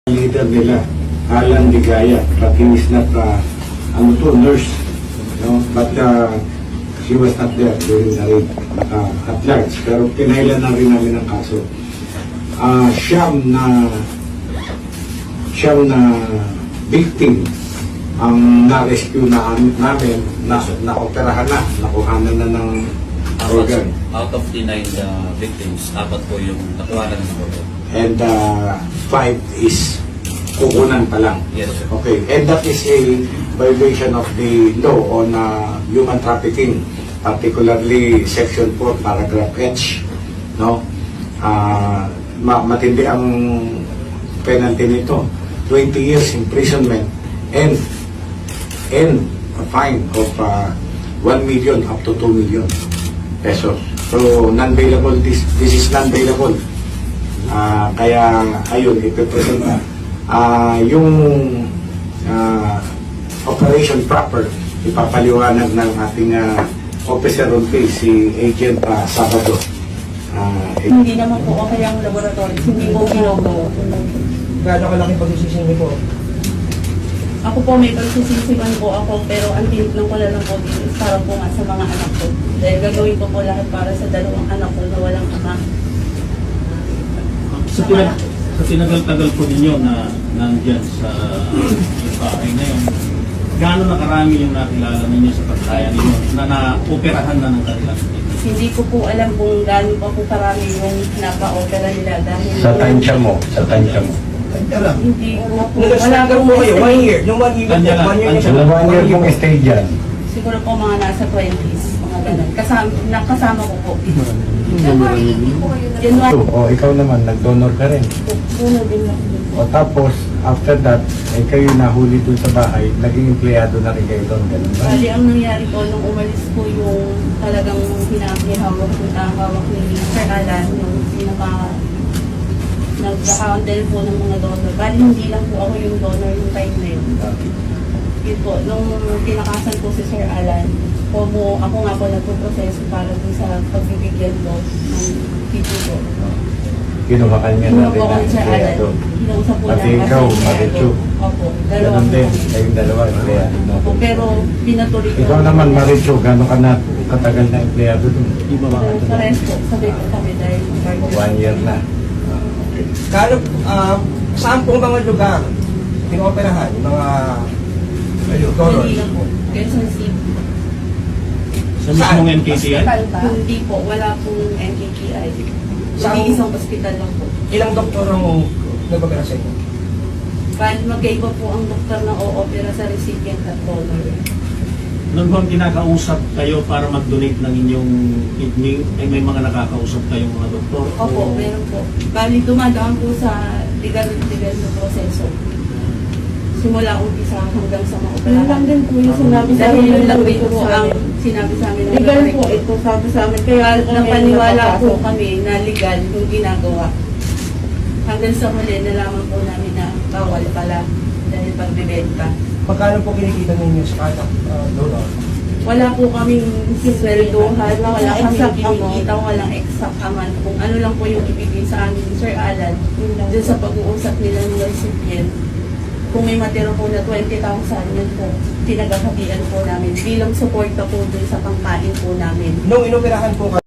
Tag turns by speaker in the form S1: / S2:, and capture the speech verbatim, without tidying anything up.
S1: Leader nila, Alan Ligaya, but he is not, uh, ano to, nurse, no? But uh, she was not there during the raid, uh, at large, pero pinailan na rin namin ang kaso. Uh, siyam na, siyam na victim ang na-rescue na namin, na, na-operahan na, nakuhanan na ng organ.
S2: Out of the nine uh, victims, apat po yung nakuhanan ng organ.
S1: And uh, five is kukunan pa lang.
S2: Yes, sir.
S1: Okay, and that is a violation of the law on uh, human trafficking, particularly Section four, Paragraph H. No? Uh, ma matindi ang penalty nito. twenty years imprisonment and and a fine of uh, one million up to two million pesos. So, non-bailable, this, this is non-bailable. Uh, kaya ayun, ipipresent na uh, yung uh, operation proper ipapaliwanag ng ating uh, officer on case, si Agent uh, Sabado. Uh,
S3: Hindi naman po okay ang laboratory, hindi po ginagawa.
S4: Gaano kalaki pagsisisi niyo po?
S3: Ako po may pagsisisipan po ako, pero ang tinignan ko na lang po dito is para po nga sa mga anak ko. Dahil gagawin ko po lahat para sa dalawang anak ko na walang ama.
S5: Sa, pinag sa tinagal-tagal po ninyo na nandyan sa yung bahay na yun, gaano na karami yung nakilala ninyo sa pagkaya ninyo na na-operahan na ng kanilang victim?
S3: Hindi ko po alam kung gaano pa po karami yung napa-opera nila dahil...
S1: sa tansya mo, sa tansya mo.
S3: Hindi ko po, wala
S4: Nag-stagger po kayo, one year. Yung one year po,
S5: Kanya lang,
S4: one year
S5: kanya
S4: niya
S5: lang.
S4: po.
S1: One year mong stay dyan.
S3: Siguro po mga nasa twenties, mga ganun. Kasama, nakasama ko po. January
S1: O ikaw naman, nag-donor ka rin.
S3: Puno din lang.
S1: O tapos, after that, eh, kayo nahuli dun sa bahay, naging empleyado na rin kayo doon. Ganun ba?
S3: Bali, ang nangyari po, nung umalis po yung talagang hinahawak yung hawak ni Sir Alan, yung pinaka nag-handle po ng mga donor. Bali, hindi lang po ako yung donor yung time na yun. Yun po, nung pinakasan po si Sir Alan, po mo, ako nga po nagpo-proseso para dun sa pagbibigyan ko ng video ko.
S1: Kinuha ka niya na
S3: Kinuha
S1: rin
S3: po
S1: na
S3: ako ni Sir Alan.
S1: empleyado.
S3: Kinausap po
S1: Pati
S3: niya
S1: ikaw,
S3: kasi
S1: Marichu.
S3: Opo, dalawa
S1: Ganun
S3: po
S1: din,
S3: kami.
S1: kayong dalawa, empleyado mo.
S3: Opo, pero pinatuloy ko.
S1: Ikaw naman, Marichu, gano'n ka na katagal na empleyado doon?
S5: Di ba mga
S3: Sa rest po, sabay po kami dahil
S1: One year na. Ah, okay.
S4: Gaano, ah, saan pong mga lugar pinooperahan, yung mga donor?
S3: Hindi lang po. Quezon City.
S5: sa mismong N K T I?
S3: Hindi po, wala pong N K T I.
S4: Saan-
S3: Hindi isang hospital lang po.
S4: Ilang doktor ang nag-opera sa inyo?
S3: Kahit magkaiba po ang doktor na o-opera sa recipient at donor.
S5: Noon bang kinakausap kayo para mag-donate ng inyong kidney, ay may mga nakakausap kayong mga doktor?
S3: Opo,
S5: O-
S3: meron po. Bali, dumadaan po sa legal-legal na proseso. Simula umpisa hanggang sa maoperahan.
S6: Yun lang din po yung sinabi sa
S3: Dahil
S6: amin
S3: yun
S6: ng
S3: lang din
S6: doktor
S3: po
S6: sa
S3: ang
S6: amin.
S3: sinabi sa amin ng
S6: Legal
S3: doktor.
S6: po ito, sabi sa amin. Kaya
S3: Kaya
S6: kami
S3: napaniwala po
S6: napapasok.
S3: kami na legal yung ginagawa. Hanggang sa huli, nalaman po namin na bawal pala dahil pagbibenta.
S4: Magkano po kinikita ninyo sa kada uh, donor?
S3: Wala po kaming sisweldohan, wala
S6: Walang
S3: kaming
S6: exact
S3: kinikita, walang exact amount. Kung ano lang po yung ibigay sa amin ni Sir Alan,
S6: Yun lang.
S3: dun sa pag-uusap nila ng recipient, kung may matira po na twenty thousand, yun po, tinagakatian po namin bilang suporta po dun sa pangkain po namin.
S4: Nung inoperahan po